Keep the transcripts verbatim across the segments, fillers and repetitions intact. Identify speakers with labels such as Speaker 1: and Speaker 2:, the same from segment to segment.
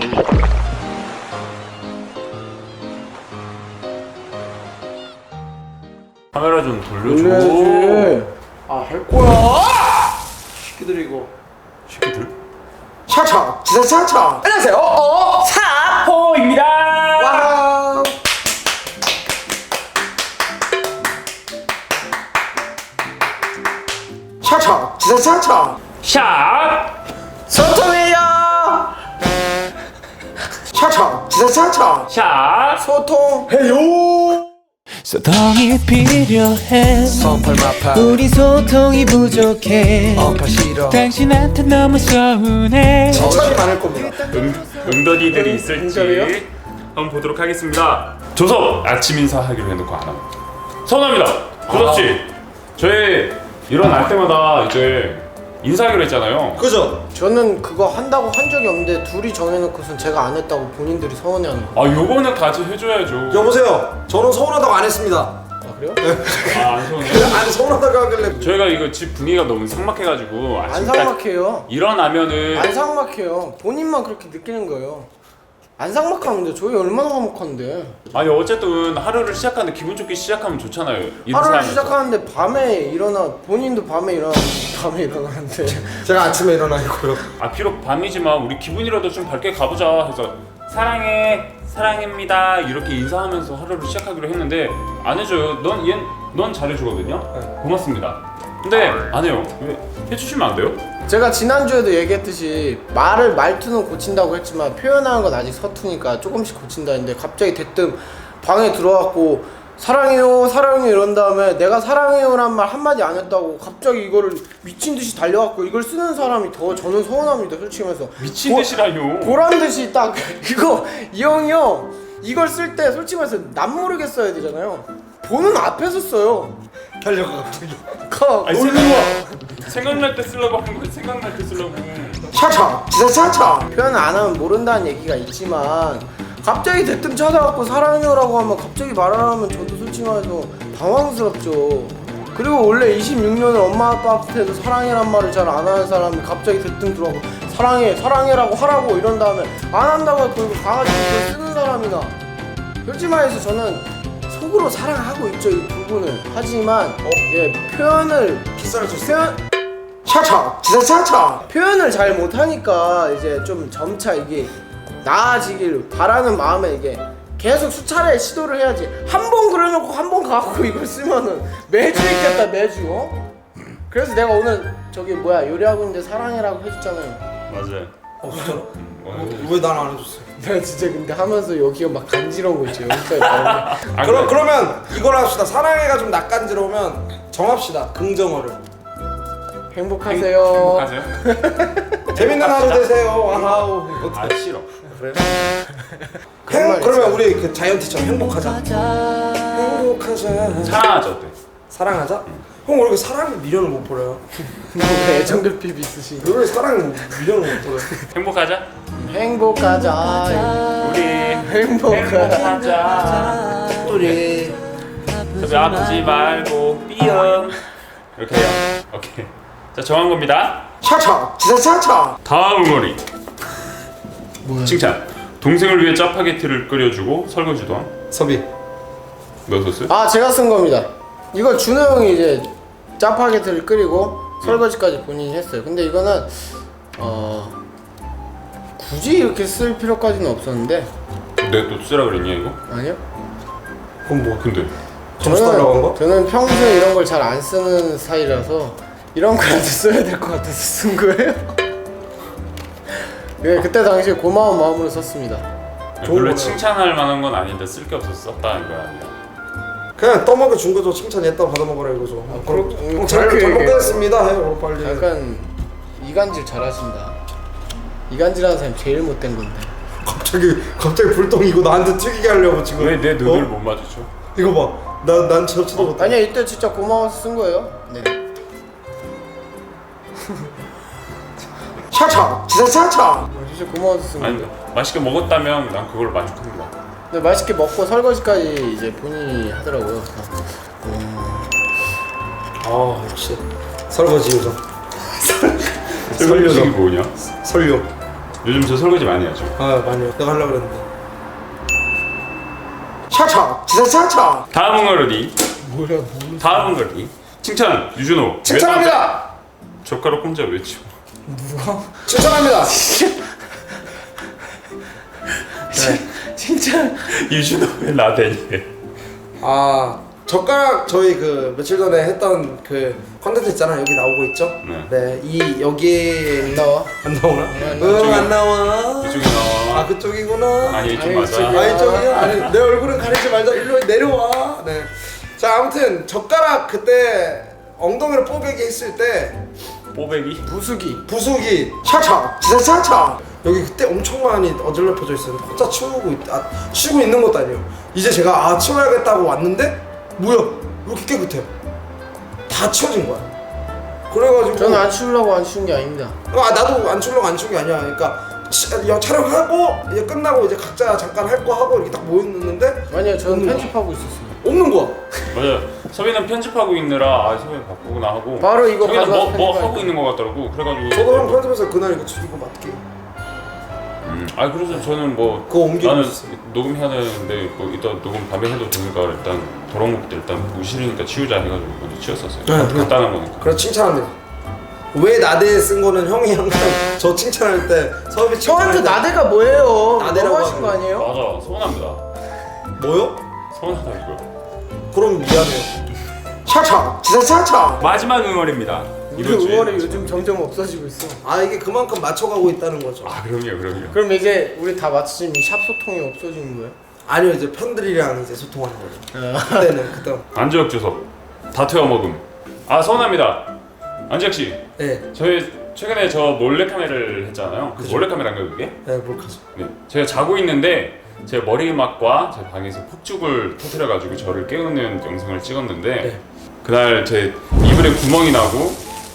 Speaker 1: 카메라 좀 돌려줘.
Speaker 2: 돌려야지. 아, 할 거야. 새끼들 이거.
Speaker 1: 새끼들?
Speaker 2: 차차, 진짜 차차. 안녕하세요. 어,
Speaker 1: 사포입니다.
Speaker 2: 와우. 차차, 진짜 차차.
Speaker 1: 샷.
Speaker 2: 소통해요. 차차, 진짜 차차.
Speaker 1: 샷.
Speaker 2: 소통해요.
Speaker 3: 소통이 필요해.
Speaker 2: 성팔마파.
Speaker 3: 우리 소통이 부족해.
Speaker 2: 어파 싫어.
Speaker 3: 당신한테 너무 서운해.
Speaker 2: 칭찬이 많을 겁니다.
Speaker 1: 응, 응더디들이
Speaker 2: 응답이요?
Speaker 1: 있을지 한번 보도록 하겠습니다. 조섭 아침 인사하기로 해놓고 안 합니다. 서운합니다. 조섭 씨, 저희 일어날 때마다 이제 인사하기로 했잖아요.
Speaker 2: 그죠? 저는 그거 한다고 한 적이 없는데 둘이 정해놓고선 제가 안 했다고 본인들이 서운해하는 거.
Speaker 1: 아, 요거는 같이 해줘야죠.
Speaker 4: 여보세요. 저는 서운하다고 안 했습니다.
Speaker 2: 아 그래요?
Speaker 1: 아, 안 서운해요?
Speaker 4: 아니 서운하다고 하길래
Speaker 1: 저희가 이거 집 분위기가 너무 삭막해가지고
Speaker 2: 안
Speaker 1: 아침 딱
Speaker 2: 삭막해요.
Speaker 1: 일어나면은
Speaker 2: 안 삭막해요. 본인만 그렇게 느끼는 거예요. 안 삭막하는데 저희 얼마나 화목한데.
Speaker 1: 아니 어쨌든 하루를 시작하는데 기분 좋게 시작하면 좋잖아요.
Speaker 2: 하루를
Speaker 1: 인사하면서.
Speaker 2: 시작하는데 밤에 일어나 본인도 밤에 일어나 밤에 일어나는데
Speaker 4: 제가 아침에 일어나 있고요.
Speaker 1: 아 비록 밤이지만 우리 기분이라도 좀 밝게 가보자 해서 사랑해 사랑입니다 이렇게 인사하면서 하루를 시작하기로 했는데 안 해줘요. 넌 얘 넌 잘해주거든요. 고맙습니다. 근데 안 해요. 왜 해주시면 안 돼요?
Speaker 2: 제가 지난주에도 얘기했듯이 말을 말투는 고친다고 했지만 표현하는 건 아직 서투니까 조금씩 고친다 했는데 갑자기 대뜸 방에 들어왔고 사랑해요 사랑해요 이런 다음에 내가 사랑해요란 말 한마디 안 했다고 갑자기 이거를 미친듯이 달려왔고 이걸 쓰는 사람이 더 저는 서운합니다. 솔직히 말해서
Speaker 1: 미친 듯이라뇨.
Speaker 2: 보란듯이 딱 이거 이 형이 형 이걸 쓸 때 솔직히 말해서 남 모르게 써야 되잖아요. 보는 앞에서 써요.
Speaker 4: 달려가 갑자기.
Speaker 2: 가
Speaker 1: 아니,
Speaker 2: 놀러 와.
Speaker 1: 생각날 때 쓰려고 한 거야. 생각날 때 쓰려고.
Speaker 2: 차차 진짜 차차 표현 안 하면 모른다는 얘기가 있지만 갑자기 대뜸 찾아갖고 사랑해요라고 하면 갑자기 말을 하면 저도 솔직히 말해서 당황스럽죠. 그리고 원래 이십육 년을 엄마 아빠 앞에서 사랑해란 말을 잘 안 하는 사람이 갑자기 대뜸 들어가고 사랑해 사랑해라고 하라고 이런 다음에 안 한다고 하고 가가지고 그걸 쓰는 사람이나 솔직히 말해서 저는 속으로 사랑하고 있죠 이 부분을. 하지만 어, 예 표현을
Speaker 4: 기사를 줬어요.
Speaker 2: 표현 차차 진짜 차차 표현을 잘 못하니까 이제 좀 점차 이게 나아지길 바라는 마음에 이게 계속 수차례 시도를 해야지. 한 번 그려놓고 한 번 가고 이걸 쓰면은 매주 있겠다 매주. 어? 그래서 내가 오늘 저기 뭐야 요리하고 있는데 사랑해라고 해줬잖아요.
Speaker 1: 맞아요.
Speaker 4: 어 진짜로?
Speaker 1: 어,
Speaker 4: 왜 난 안 해줬어요?
Speaker 2: 내가 진짜 근데 하면서 여기가 막 간지러운 거 있죠 여기까지 나오면.
Speaker 1: 아,
Speaker 4: 그럼
Speaker 1: 그래.
Speaker 4: 그러면 이걸 합시다. 사랑해가 좀 낯간지러우면 정합시다. 긍정어를.
Speaker 2: 행복하세요.
Speaker 1: 행복하세요?
Speaker 4: 재밌는 하루 되세요. 와우.
Speaker 1: 아 싫어.
Speaker 4: 그래?
Speaker 2: 그런
Speaker 4: 행,
Speaker 2: 말
Speaker 4: 그러면
Speaker 2: 있어요.
Speaker 4: 우리 그 자이언티처럼 행복하자. 행복하자.
Speaker 1: 사랑하자 어때?
Speaker 4: 사랑하자. 형 왜 이렇게 사랑 미련을 못 버려요?
Speaker 2: 뭐 애정결핍 있으신 거.
Speaker 4: 왜 사랑 미련을 못 버려요?
Speaker 1: 행복하자.
Speaker 2: 행복하자
Speaker 1: 우리
Speaker 2: 행복하자
Speaker 1: 행복하자.
Speaker 2: 우리
Speaker 1: 저기 아프지 말고 삐엄 이렇게 해요. 오케이. 자 정한 겁니다.
Speaker 2: 차차 진짜 차차
Speaker 1: 다음 응어리.
Speaker 2: 뭐야
Speaker 1: 칭찬. 동생을 위해 짜파게티를 끓여주고 설거지도 함.
Speaker 4: 섭이.
Speaker 1: 너 썼어요?
Speaker 2: 아 제가 쓴 겁니다. 이거 준호 형이 이제 짜파게티를 끓이고 설거지까지 본인이 했어요. 근데 이거는 어 굳이 이렇게 쓸 필요까지는 없었는데.
Speaker 1: 내가 또 쓰라 그랬냐 이거?
Speaker 2: 아니요.
Speaker 4: 그럼 뭐?
Speaker 1: 근데
Speaker 4: 점수 달라고 한 거?
Speaker 2: 저는 평소에 이런 걸 잘 안 쓰는 스타일이라서 이런 거라도 써야 될 것 같아서 쓴 거예요. 예, 그때 당시에 고마운 마음으로 썼습니다.
Speaker 4: 좋은
Speaker 1: 원래
Speaker 4: 거네요.
Speaker 1: 칭찬할 만한 건 아닌데 쓸 게 없어서 썼다는 거야.
Speaker 4: 그냥 떠먹여 준 거죠. 칭찬했다 받아먹으라 이거죠. 아,
Speaker 2: 그렇-
Speaker 4: 그럼
Speaker 2: 음,
Speaker 4: 잘,
Speaker 2: 그렇게
Speaker 4: 잘
Speaker 2: 얘기해.
Speaker 4: 먹겠습니다 해요 빨리.
Speaker 2: 약간 이간질 잘하신다. 이간질하는 사람이 제일 못된 건데.
Speaker 4: 갑자기 갑자기 불똥 이거 나한테 튀기게 하려고 지금.
Speaker 1: 왜 내 눈을
Speaker 4: 어?
Speaker 1: 못 마주쳐?
Speaker 4: 이거 봐. 나난 저 쳐다봤다.
Speaker 2: 아니야 이때 진짜 고마워서 쓴 거예요. 네. 차차 진짜 차차. 진짜 고마워서 쓴
Speaker 1: 아니
Speaker 2: 거예요.
Speaker 1: 맛있게 먹었다면 난 그걸 만족합니다.
Speaker 2: 근데 맛있게 먹고 설거지까지 이제 본인이 하더라고요. 음.
Speaker 4: 아 역시 설거지 요정.
Speaker 1: 설거지 뭐냐?
Speaker 4: 설료.
Speaker 1: 요즘 저 설거지 많이 하죠.
Speaker 4: 아 많이요. 내가 하려고 그랬는데.
Speaker 2: 차차 지사차차.
Speaker 1: 다음 응어리.
Speaker 2: 뭐야 뭐.
Speaker 1: 다음 응어리. 칭찬 유준호.
Speaker 4: 칭찬합니다.
Speaker 1: 젓가락 혼자 외치고.
Speaker 2: 누가?
Speaker 4: 칭찬합니다.
Speaker 2: 진짜.
Speaker 1: 유준호 왜 나대니?
Speaker 4: 아 젓가락 저희 그 며칠 전에 했던 그 컨텐츠 있잖아. 여기 나오고 있죠?
Speaker 1: 네.
Speaker 4: 네. 이 여기
Speaker 2: 나와.
Speaker 4: 안 나오나?
Speaker 2: 안
Speaker 4: 응 안 나와.
Speaker 1: 이쪽이 나와.
Speaker 4: 아 그쪽이구나.
Speaker 1: 아니 이쪽
Speaker 2: 아니,
Speaker 1: 맞아.
Speaker 2: 이쪽이야.
Speaker 4: 아 이쪽이야? 아니 내 얼굴은 가리지 말자. 일로 내려와. 네. 자 아무튼 젓가락 그때 엉덩이로 뽀개기 했을 때
Speaker 1: 뽀배기.
Speaker 2: 부수기.
Speaker 4: 부수기
Speaker 2: 차차 지사차차.
Speaker 4: 여기 그때 엄청 많이 어질러펴져 있었는데 혼자 치우고 있, 아, 치우고 있는 것도 아니에요. 이제 제가 아 치워야겠다고 왔는데 뭐야 왜 이렇게 깨끗해요? 다 치워진 거야. 그래가지고
Speaker 2: 저는 안 치우려고 안 치운 게 아닙니다.
Speaker 4: 아 나도 안 치우려고 안 치운 게 아니야. 그러니까 치, 야, 촬영하고 이제 끝나고 이제 각자 잠깐 할 거 하고 이렇게 딱 모였는데
Speaker 2: 아니요 저는
Speaker 4: 없는 거야.
Speaker 2: 편집하고 있었어요.
Speaker 4: 없는 거야.
Speaker 1: 맞아. 서빈은 편집하고 있느라 아 서빈 바쁘구나 하고.
Speaker 2: 바로 이거
Speaker 1: 서빈은 뭐,
Speaker 2: 가져와서
Speaker 1: 뭐
Speaker 2: 편집할
Speaker 1: 하고
Speaker 2: 때.
Speaker 1: 있는 것 같더라고. 그래가지고.
Speaker 4: 저도 형 편집해서 그날 이거 이거 맞게
Speaker 1: 음, 아 그래서 저는 뭐
Speaker 4: 그거 옮기고
Speaker 1: 나는
Speaker 4: 있었어요.
Speaker 1: 녹음해야 되는데 뭐 이따 녹음 밤에 해도 되니까 일단 더러운 것들 일단 보기 싫으니까 치우자 해가지고 먼저 치웠었어요.
Speaker 4: 네,
Speaker 1: 간단한 거니까.
Speaker 4: 그래 칭찬합니다. 왜 나대 쓴 거는 형이 항상 저 칭찬할 때 서비 칭찬할
Speaker 2: 저한테
Speaker 4: 때
Speaker 2: 나대가 뭐예요?
Speaker 4: 나대라고
Speaker 2: 너무하신 거
Speaker 4: 하면.
Speaker 2: 아니에요?
Speaker 1: 맞아 서운합니다.
Speaker 4: 뭐요?
Speaker 1: 서운하다고요.
Speaker 4: 그럼 미안해요.
Speaker 2: 차차 지사차차.
Speaker 1: 마지막 응원입니다.
Speaker 2: 우리
Speaker 1: 이번 주에
Speaker 2: 응원이
Speaker 1: 마지막.
Speaker 2: 요즘 점점 없어지고 있어.
Speaker 4: 아 이게 그만큼 맞춰가고 있다는 거죠.
Speaker 1: 아 그럼요 그럼요.
Speaker 2: 그럼 이제 우리 다 맞추면 샵 소통이 없어지는 거예요?
Speaker 4: 아니요 이제 팬들이랑 이제 소통하는 거죠. 그때는 그때.
Speaker 1: 안지혁 주석 다 태워 먹음. 아 서운합니다. 안지혁 씨,
Speaker 4: 네,
Speaker 1: 저희 최근에 저 몰래 카메라를 했잖아요. 그 몰래 카메라인가요 그게?
Speaker 4: 네 몰카죠.
Speaker 1: 네. 제가 자고 있는데 제 머리막과 제 방에서 폭죽을 터뜨려가지고 저를 깨우는 영상을 찍었는데
Speaker 4: 네.
Speaker 1: 그날 제 이불에 구멍이 나고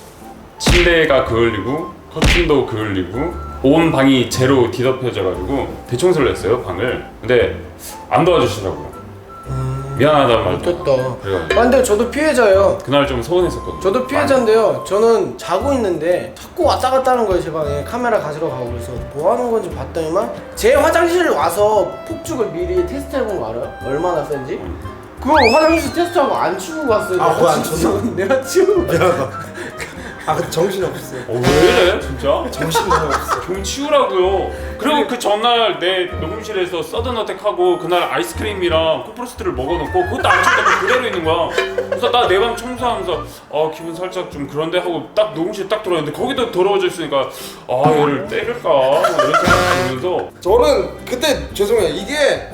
Speaker 1: 침대가 그을리고 커튼도 그을리고 온 방이 재로 뒤덮여져가지고 대청소를 했어요 방을. 근데 안 도와주시더라고요. 미안하다는 말도.
Speaker 2: 못됐다.
Speaker 1: 그래가지고
Speaker 2: 아, 근데 저도 피해자예요.
Speaker 1: 그날 좀 서운했었거든요.
Speaker 2: 저도 피해자인데요. 저는 자고 있는데 자꾸 왔다 갔다 하는 거예요. 제 방에 카메라 가지러 가고 그래서 뭐 하는 건지 봤더니만 제 화장실 와서 폭죽을 미리 테스트 해본 거 알아요? 얼마나 센지? 그거 화장실 테스트하고 안 치우고 갔어요.
Speaker 4: 아,
Speaker 2: 내가
Speaker 4: 그거 안
Speaker 2: 진짜-
Speaker 4: 치웠나?
Speaker 2: 내가 치우고 갔어요.
Speaker 4: 미안하다. 아 근데 정신이 없었어요.
Speaker 1: 어, 왜 이래 진짜?
Speaker 4: 정신이 없었어.
Speaker 1: 좀 치우라고요. 그리고 그 전날 내 녹음실에서 서든어택하고 그날 아이스크림이랑 코프로스트를 먹어놓고 그것도 안 치웠다고 그대로 있는 거야. 그래서 나 내 방 청소하면서 아 기분 살짝 좀 그런데 하고 딱 녹음실 딱 들어왔는데 거기도 더러워져 있으니까 아 얘를 때릴까 이런 생각이 들면서
Speaker 4: 저는 그때 죄송해요. 이게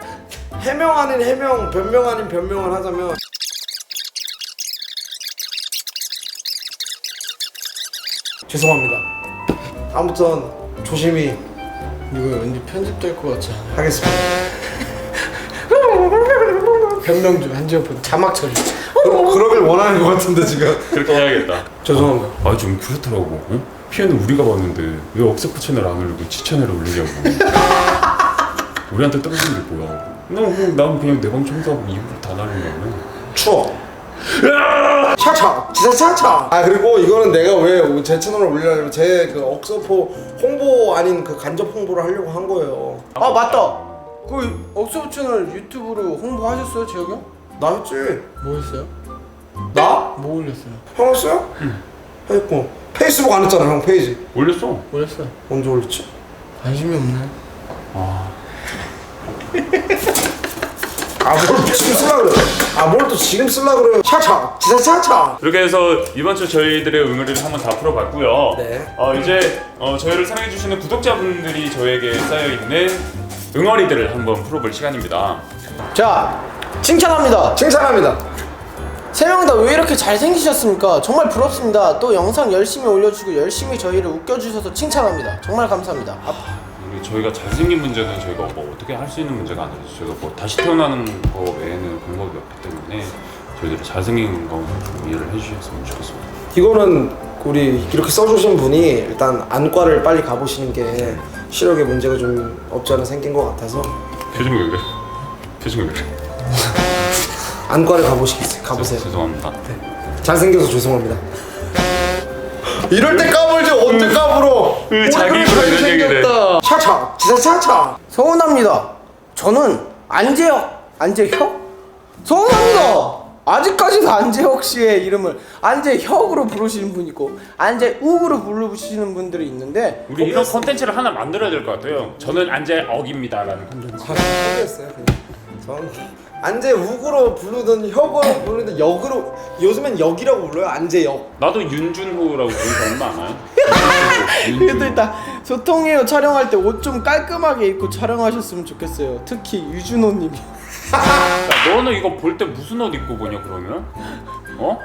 Speaker 4: 해명 아닌 해명, 변명 아닌 변명을 하자면 죄송합니다. 아무튼 조심히
Speaker 2: 이거 왠지 편집될 것 같지 않아요?
Speaker 4: 하겠습니다.
Speaker 2: 변명 좀 한지어폰 자막 처리.
Speaker 4: 그러, 그러길 원하는 것 같은데 지금.
Speaker 1: 그렇게 해야겠다.
Speaker 4: 죄송합니다.
Speaker 1: 아 좀 그렇더라고. 어? 피해는 우리가 봤는데 왜 억세포 채널 안 올리고 지 채널에 올리냐고. 우리한테 떨어지는 게 뭐야? 난, 난 그냥 내 방 청소하고 이불을 다 날린다고.
Speaker 4: 추워.
Speaker 2: 차차 지사차차.
Speaker 4: 아 그리고 이거는 내가 왜 제 채널에 올리려면 제 그 억서포 홍보 아닌 그 간접 홍보를 하려고 한 거예요.
Speaker 2: 아 맞다. 그 억서브 채널 유튜브로 홍보하셨어요, 재혁이 형?
Speaker 4: 나 했지.
Speaker 2: 뭐 했어요?
Speaker 4: 나?
Speaker 2: 뭐 올렸어요?
Speaker 4: 형 했어요? 응. 했고 페이스북 안 했잖아 형 페이지.
Speaker 1: 올렸어.
Speaker 2: 뭐 했어요?
Speaker 4: 언제 올렸지?
Speaker 2: 관심이 없네.
Speaker 1: 아.
Speaker 4: 아뭘 지금 쓰려 그래? 아뭘 또 지금 쓰려 그래요?
Speaker 2: 차차 지사차차.
Speaker 1: 이렇게 해서 이번 주 저희들의 응어리를 한번 다 풀어봤고요.
Speaker 4: 네.
Speaker 1: 어, 이제 어, 저희를 사랑해주시는 구독자분들이 저에게 쌓여있는 응어리들을 한번 풀어볼 시간입니다.
Speaker 2: 자 칭찬합니다.
Speaker 4: 칭찬합니다.
Speaker 2: 세 명 다 왜 이렇게 잘생기셨습니까? 정말 부럽습니다. 또 영상 열심히 올려주고 열심히 저희를 웃겨주셔서 칭찬합니다. 정말 감사합니다. 아,
Speaker 1: 우리 저희가 잘생긴 문제는 저희가 뭐 어떻게 할 수 있는 문제가 아니죠. 저희가 뭐 다시 태어나는 거 외에는 방법이 없기 때문에 저희들이 잘생긴 거 좀 이해를 해주셨으면 좋겠습니다.
Speaker 4: 이거는 우리 이렇게 써주신 분이 일단 안과를 빨리 가보시는 게 시력에 문제가 좀 없지 않아 생긴 것 같아서
Speaker 1: 표정이 왜 그래? 표정이 왜 그래?
Speaker 4: 안과를 가보시겠어요. 가보세요.
Speaker 1: 죄송합니다.
Speaker 4: 잘생겨서 죄송합니다. 이럴 때 까불지 언제 까불어?
Speaker 1: 그 자기 입으로 이런 얘기를 해.
Speaker 2: 지사차차 서운합니다. 저는 안재혁 안재혁? 서운합니다. 아직까지도 안재혁 씨의 이름을 안재혁으로 부르시는 분이 있고 안재욱으로 부르시는 분들이 있는데
Speaker 1: 우리 이런 컨텐츠를 하나 만들어야 될 것 같아요. 저는 안재억입니다라는 컨텐츠.
Speaker 4: 아, 모르겠어요. 전 안재욱으로 부르든 혁으로 부르든 역으로 요즘엔 역이라고 불러요. 안재역.
Speaker 1: 나도 윤준호라고 부르는 사람 많아요.
Speaker 2: 그래도 일단 소통해요 촬영할 때 옷 좀 깔끔하게 입고 촬영하셨으면 좋겠어요. 특히 유준호님이.
Speaker 1: 야, 너는 이거 볼 때 무슨 옷 입고 보냐 그러면? 어?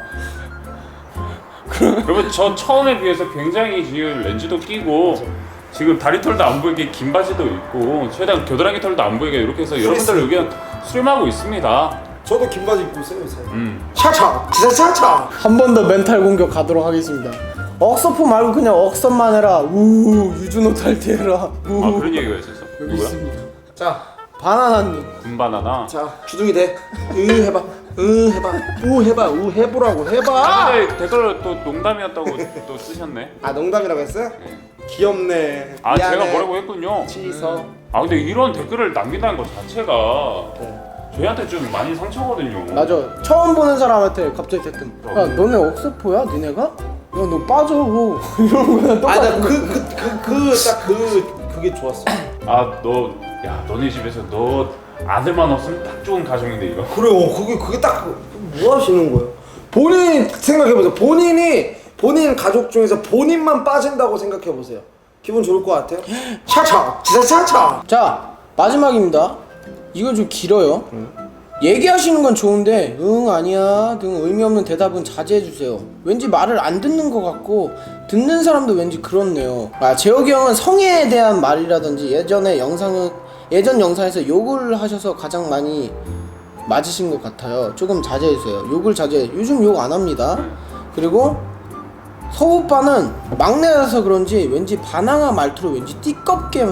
Speaker 1: 여러분 저 처음에 비해서 굉장히 지금 렌즈도 끼고 지금 다리 털도 안 보이게 긴 바지도 입고 최대한 겨드랑이 털도 안 보이게 이렇게 해서 여러분들 의견 수렴하고 있습니다.
Speaker 4: 저도 긴 바지 입고 있어요 요새.
Speaker 1: 음.
Speaker 2: 차차 지사차차 한 번 더 멘탈 공격 가도록 하겠습니다. 억서포 말고 그냥 억선만 해라. 우 유준호 탈퇴해라. 우.
Speaker 1: 아 그런 얘기가 있었어?
Speaker 2: 여기
Speaker 1: 누구야?
Speaker 2: 있습니다.
Speaker 4: 자,
Speaker 2: 바나나님.
Speaker 1: 군바나나.
Speaker 4: 자 주둥이 대. 으 해봐. 으 해봐. 우 해봐. 우 해보라고 해봐.
Speaker 1: 아 근데 댓글 또 농담이었다고 또 쓰셨네.
Speaker 4: 아 농담이라고 했어요?
Speaker 1: 네.
Speaker 4: 귀엽네.
Speaker 1: 아
Speaker 4: 미안해.
Speaker 1: 제가 뭐라고 했군요.
Speaker 4: 취서.
Speaker 1: 아 근데 이런 댓글을 남긴다는 것 자체가
Speaker 4: 네.
Speaker 1: 저희한테 좀 많이 상처거든요.
Speaker 2: 맞아. 처음 보는 사람한테 갑자기 대뜸. 야 너네 억서포야? 니네가? 야 너 빠져. 이런 거랑 똑같은.
Speaker 4: 아나그그그그딱그 그게 좋았어.
Speaker 1: 아 너 야 너네 집에서 너 아들만 없으면 딱 좋은 가정인데 이거.
Speaker 4: 그래요. 그게 그게 딱 뭐 하시는 거예요? 본인 생각해 보세요. 본인이 본인 가족 중에서 본인만 빠진다고 생각해 보세요. 기분 좋을 것 같아요?
Speaker 2: 차차 지사차차. 자 마지막입니다. 이건 좀 길어요. 얘기하시는 건 좋은데 응 아니야 등 의미 없는 대답은 자제해 주세요. 왠지 말을 안 듣는 것 같고 듣는 사람도 왠지 그렇네요. 아 재혁이 형은 성애에 대한 말이라든지 예전에 영상 예전 영상에서 욕을 하셔서 가장 많이 맞으신 것 같아요. 조금 자제해 주세요. 욕을 자제. 요즘 욕 안 합니다. 그리고 서우 오빠는 막내라서 그런지 왠지 바나나 말투로 왠지 띠껍게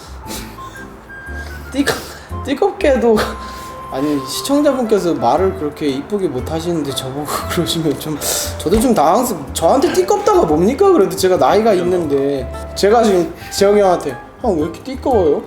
Speaker 2: 띠껍 띠껍게도 아니 시청자분께서 말을 그렇게 이쁘게 못 하시는데 저보고 그러시면 좀 저도 좀 당황스. 저한테 띠껍다가 뭡니까? 그래도 제가 나이가 있는데 제가 지금 재영이 형한테 형 왜 이렇게 띠꺼워요?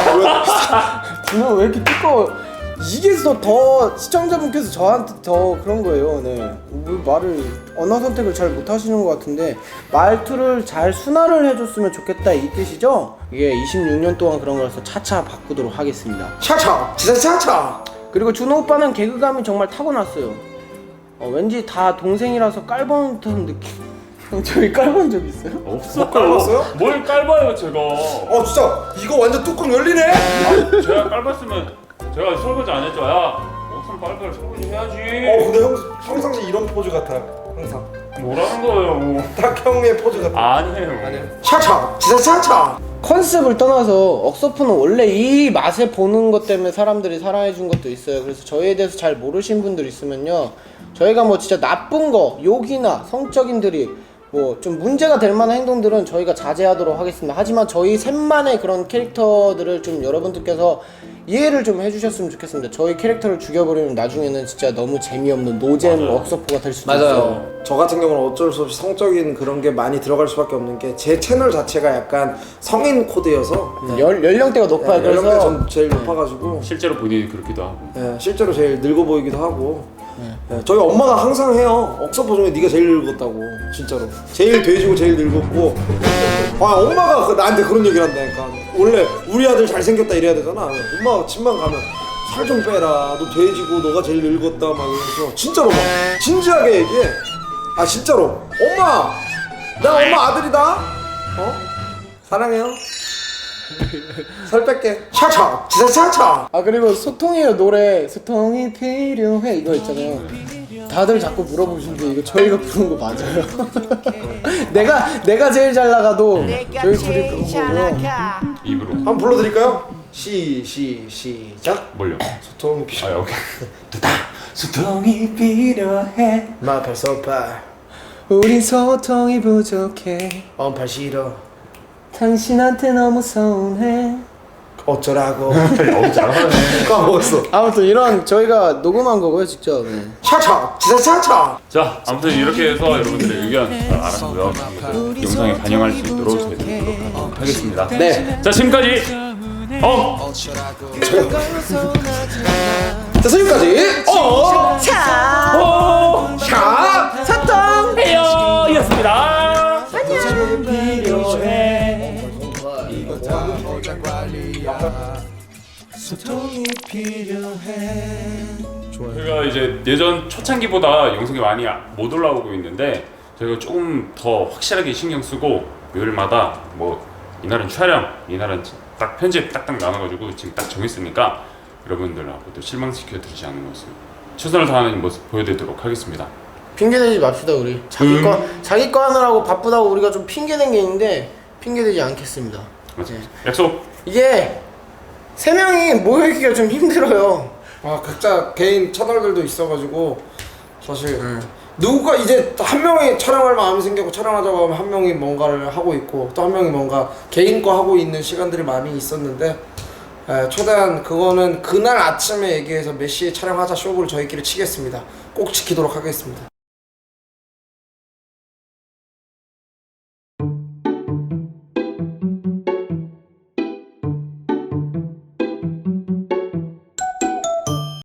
Speaker 2: 누나 왜 이렇게 띠꺼워? 이게 더, 더 시청자분께서 저한테 더 그런 거예요. 네. 왜 말을 언어 선택을 잘 못 하시는 것 같은데 말투를 잘 순화를 해줬으면 좋겠다 이 뜻이죠? 이게 이십육 년 동안 그런 거라서 차차 바꾸도록 하겠습니다. 차차 지사차차. 그리고 준호 오빠는 개그감이 정말 타고났어요. 어, 왠지 다 동생이라서 깔본 듯한 느낌. 형 저희 깔본 적 있어요?
Speaker 1: 없어.
Speaker 4: 깔봤어요?
Speaker 1: 뭘 깔봐요 제가.
Speaker 4: 어 진짜 이거 완전 뚜껑 열리네.
Speaker 1: 아, 제가 깔봤으면 제가 설거지 안 했죠. 야 옷은 빨빨 설거지 해야지.
Speaker 4: 어 근데 형 평상시 이런 포즈 같아요. 항상
Speaker 1: 뭐라는 거예요?
Speaker 4: 딱 형의 포즈 같아.
Speaker 1: 아니에요.
Speaker 4: 아니에요.
Speaker 2: 차차 지사차차. 컨셉을 떠나서 억서프는 원래 이 맛에 보는 것 때문에 사람들이 사랑해 준 것도 있어요. 그래서 저희에 대해서 잘 모르신 분들 있으면요 저희가 뭐 진짜 나쁜 거 욕이나 성적인 드립 뭐 좀 문제가 될 만한 행동들은 저희가 자제하도록 하겠습니다. 하지만 저희 셋만의 그런 캐릭터들을 좀 여러분들께서 이해를 좀 해주셨으면 좋겠습니다. 저희 캐릭터를 죽여버리면 나중에는 진짜 너무 재미없는 노잼 억서포가 될 수도 있어요.
Speaker 4: 저 같은 경우는 어쩔 수 없이 성적인 그런 게 많이 들어갈 수밖에 없는 게 제 채널 자체가 약간 성인 코드여서
Speaker 2: 연, 연령대가 높아요.
Speaker 4: 네, 연령대
Speaker 2: 그래서
Speaker 4: 전 제일 높아가지고
Speaker 1: 실제로 본인이 그렇기도 하고.
Speaker 4: 네, 실제로 제일 늙어 보이기도 하고 네, 저희 엄마가 항상 해요. 억서포 중에 네가 제일 늙었다고 진짜로 제일 돼지고 제일 늙었고 아 엄마가 그- 나한테 그런 얘기를 한다니까. 원래 우리 아들 잘생겼다 이래야 되잖아. 엄마가 집만 가면 살 좀 빼라 너 돼지고 너가 제일 늙었다 막 이러면서 진짜로 막 진지하게 얘기해. 아 진짜로 엄마 나 엄마 아들이다 어? 사랑해요 살 뺄게 차차 지사차차.
Speaker 2: 아 그리고 소통이에요 노래 소통이 필요해 이거 있잖아요. 다들 자꾸 물어보시는데 이거 저희가 부른 거 맞아요? 내가 내가 제일 잘 나가도 저희 둘이 부른 거고요.
Speaker 1: 입으로.
Speaker 4: 한번 불러드릴까요? 시 시 시작.
Speaker 1: 뭘요?
Speaker 4: 소통이 필요.
Speaker 1: 아 오케이.
Speaker 3: 소통이 필요해
Speaker 4: 마팔 소팔
Speaker 2: 우린 소통이 부족해
Speaker 4: 언팔 싫어
Speaker 2: 당신한테 너무 서운해.
Speaker 4: 어쩌라고.
Speaker 1: 너무 잘하네.
Speaker 4: 까먹었어.
Speaker 2: 아무튼 이런 저희가 녹음한 거고요 직접. 네.
Speaker 4: 차차 지사차차.
Speaker 1: 자 아무튼 이렇게 해서 여러분들의 의견 잘 알았고요. 영상에 반영할 수 있도록 저희가 노력하도록 하겠습니다.
Speaker 2: 네.
Speaker 1: 자 지금까지 어?
Speaker 4: 자, 지금까지 어,
Speaker 2: 차
Speaker 1: 어?
Speaker 4: 샤,
Speaker 2: 사탕
Speaker 1: 해요 이었습니다.
Speaker 3: 소통이 필요해.
Speaker 1: 저희가 이제 예전 초창기보다 영상이 많이 못 올라오고 있는데 저희가 조금 더 확실하게 신경 쓰고 요일마다 뭐 이날은 촬영, 이날은 딱 편집 딱딱 나눠가지고 지금 딱 정했으니까 여러분들하고 또 실망시켜 드리지 않는 모습 최선을 다하는 모습 보여드리도록 하겠습니다.
Speaker 2: 핑계대지 맙시다 우리 자기
Speaker 1: 음.
Speaker 2: 거 자기 거 하느라고 바쁘다고 우리가 좀 핑계댄 게 있는데 핑계대지 않겠습니다.
Speaker 1: 맞습니다.
Speaker 2: 네.
Speaker 1: 약속.
Speaker 2: 이게 세 명이 모여있기가 좀 힘들어요.
Speaker 4: 아 각자 개인 채널들도 있어가지고 사실 누가 이제 한 명이 촬영할 마음이 생기고 촬영하자고 하면 한 명이 뭔가를 하고 있고 또 한 명이 뭔가 개인 거 하고 있는 시간들이 많이 있었는데 에, 최대한 그거는 그날 아침에 얘기해서 몇 시에 촬영하자 쇼부를 저희끼리 치겠습니다. 꼭 지키도록 하겠습니다.